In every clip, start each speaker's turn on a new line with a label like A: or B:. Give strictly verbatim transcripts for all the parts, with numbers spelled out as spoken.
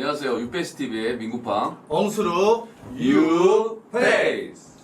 A: 안녕하세요. 유페이스티비의 민구팡
B: 엉수루
A: 유페이스.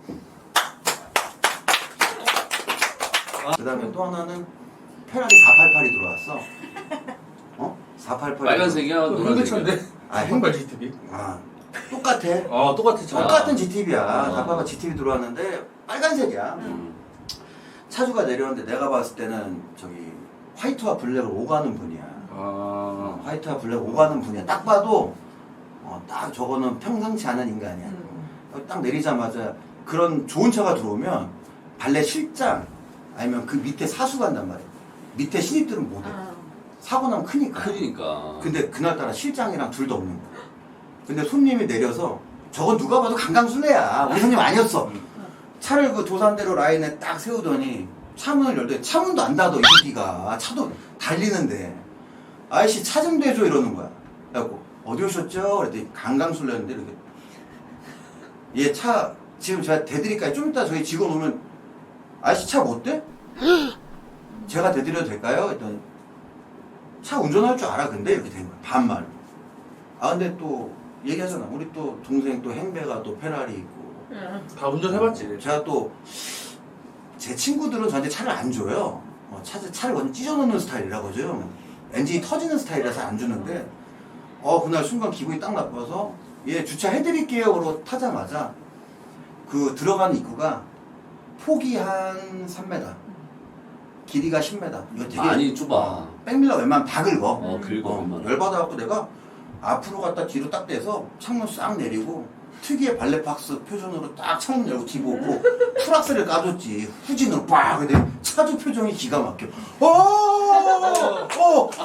C: 그 다음에 또 하나는 페라리 사팔팔이 들어왔어. 어? 사팔팔.
A: 빨간색이야? 노란색이야?
B: 홍대차인데?
C: 아,
B: 행발 지티비?
C: 아, 똑같아.
B: 아 똑같아 차.
C: 똑같은 지티비야.
A: 아.
C: 사팔팔 지티비 들어왔는데 빨간색이야.
A: 음.
C: 차주가 내려오는데 내가 봤을 때는 저기 화이트와 블랙을 오가는 분이야.
A: 아.
C: 화이트와 블랙 오가는 분이야. 딱 봐도 어, 딱 저거는 평상치 않은 인간이야.
D: 음.
C: 딱 내리자마자 그런 좋은 차가 들어오면 발레 실장 아니면 그 밑에 사수 간단 말이야. 밑에 신입들은 못해.
D: 아.
C: 사고 나면 크니까.
A: 크니까.
C: 근데 그날따라 실장이랑 둘 다 없는 거야. 근데 손님이 내려서 저건 누가 봐도 강강술래야. 우리 손님 아니었어. 차를 그 도산대로 라인에 딱 세우더니 차문을 열더니 차문도 안 닫아 이 새끼가. 차도 달리는데 아이씨 차 좀 대줘 이러는 거야. 그래갖고 어디 오셨죠? 그랬더니 강강술래였는데 이렇게 얘 차 지금 제가 대드릴까요? 좀 이따 저희 직원 오면 아이씨 차 못 대? 제가 대드려도 될까요? 했더니 차 운전할 줄 알아 근데 이렇게 된 거야. 반말. 아 근데 또 얘기하잖아. 우리 또 동생 또 행배가 또 페라리 있고
B: 다 운전해봤지.
C: 제가 또 제 친구들은 저한테 차를 안 줘요. 어, 차, 차를 완전 찢어놓는 스타일이라고죠. 엔진이 터지는 스타일이라서 안 주는데 어 그날 순간 기분이 딱 나빠서 얘 주차해드릴게요 그러고 타자마자 그 들어가는 입구가 폭이 한 삼 미터 길이가 십 미터 이거 되게
A: 많이 좁아.
C: 백밀러 웬만하면 다 긁어.
A: 어, 긁어.
C: 어,
A: 웬만하면.
C: 열받아갖고 내가 앞으로 갔다 뒤로 딱 떼서 창문 싹 내리고 특유의 발레박스 표정으로 딱 창문 열고 뒤보고 풀악셀을 까줬지. 후진으로 빡! 근데 차주 표정이 기가 막혀. 어! 어! 어! 어!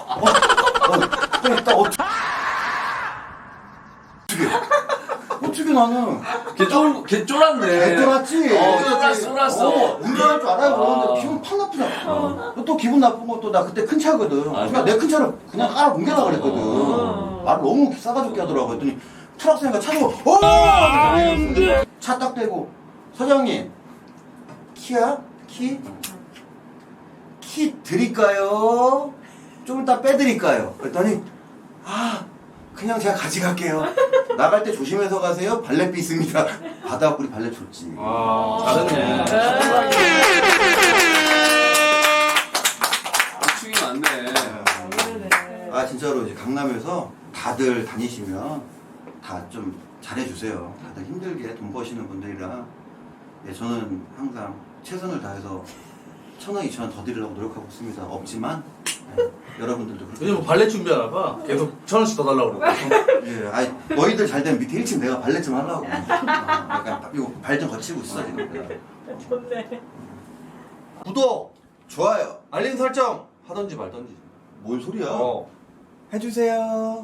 C: 딱 어떻게 어떻게 나는
A: 걔 쫄, 걔 쫄았네.
C: 잘 쫄았지.
A: 어, 쫄았어, 쫄았어.
C: 어, 운전할 줄 알아요.
A: 아.
C: 그러는데 기분 팍 나쁘잖아. 또 기분 나쁜 것도 나 그때 큰 차거든.
A: 아,
C: 그냥 내 큰 차를 그냥 깔아 옮겨라 그랬거든.
A: 어.
C: 말을 너무 싸가지게 하더라고. 했더니 트럭스니까 차 주고 어! 차 딱 대고 사장님 키야? 키? 키 드릴까요? 좀 이따 빼드릴까요? 그랬더니 아 그냥 제가 가져갈게요. 나갈 때 조심해서 가세요. 발렛비 있습니다. 받아갖고 우리 발렛 줬지.
B: 아 잘했네.
A: 축이 많네.
C: 아 진짜로 이제 강남에서 다들 다니시면 다 좀 잘해주세요. 다들 힘들게 돈 버시는 분들이라 예, 저는 항상 최선을 다해서 천 원, 이천 원 더 드리려고 노력하고 있습니다. 없지만 예, 여러분들도 그렇게
B: 요즘 발레 준비하나 봐. 계속 천 원씩 더 달라고 그러고.
C: 예, 아니 너희들 잘 되면 밑에 일 층 내가 발렛 좀 하려고. 어, 약간 이거 발 좀 거치고 있어 지금. 내가.
D: 좋네.
C: 구독, 좋아요.
B: 알림 설정 하던지 말던지.
C: 뭔 소리야?
B: 어.
C: 해주세요.